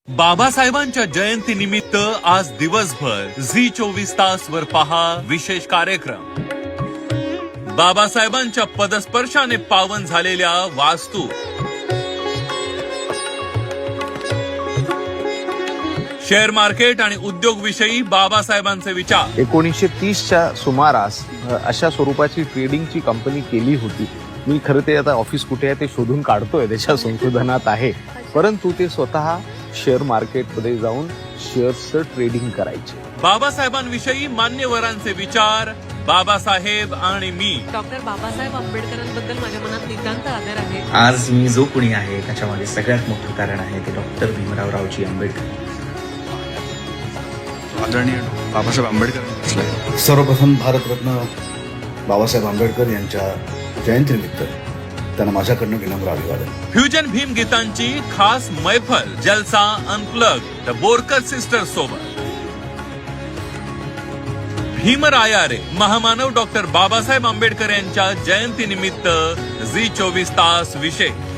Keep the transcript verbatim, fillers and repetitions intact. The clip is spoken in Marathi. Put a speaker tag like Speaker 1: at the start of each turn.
Speaker 1: बाबासाहेबांच्या जयंतीनिमित्त आज दिवसभर झी चोवीस तास वर पहा विशेष कार्यक्रम. बाबासाहेबांच्या पदस्पर्शाने पावन झालेल्या वास्तू, शेअर मार्केट आणि उद्योग विषयी बाबासाहेबांचे विचार.
Speaker 2: एकोणीसशे तीसच्या सुमारास अशा स्वरूपाची ट्रेडिंगची कंपनी केली होती. मी खरं ते आता ऑफिस कुठे आहे ते शोधून काढतोय, त्याच्या संशोधनात आहे. परंतु ते स्वतः शेअर मार्केटमध्ये जाऊन शेअर्सचं ट्रेडिंग करायचे.
Speaker 1: बाबासाहेबांविषयी मान्यवरांचे विचार. बाबासाहेब आणि मी.
Speaker 3: डॉक्टर बाबासाहेब आंबेडकरांबद्दल माझ्या मनात नितांत आदर आहे.
Speaker 4: आज मी जो कुणी आहे त्याच्यामध्ये सगळ्यात मोठं कारण आहे ते डॉक्टर भीमराव रावजी आंबेडकर.
Speaker 5: आदरणीय बाबासाहेब आंबेडकर.
Speaker 6: सर्वप्रथम भारतरत्न बाबासाहेब आंबेडकर यांच्या जयंतीनिमित्त त्यांना माझ्याकडनं विनम्र अभिवादन.
Speaker 1: फ्युजन भीम गीतांची खास मैफल, जलसा अनप्लग द बोरकर सिस्टर्स सोबत. भीमरायारे महामानव डॉक्टर बाबासाहेब आंबेडकर यांच्या जयंतीनिमित्त झी चोवीस तास विशेष.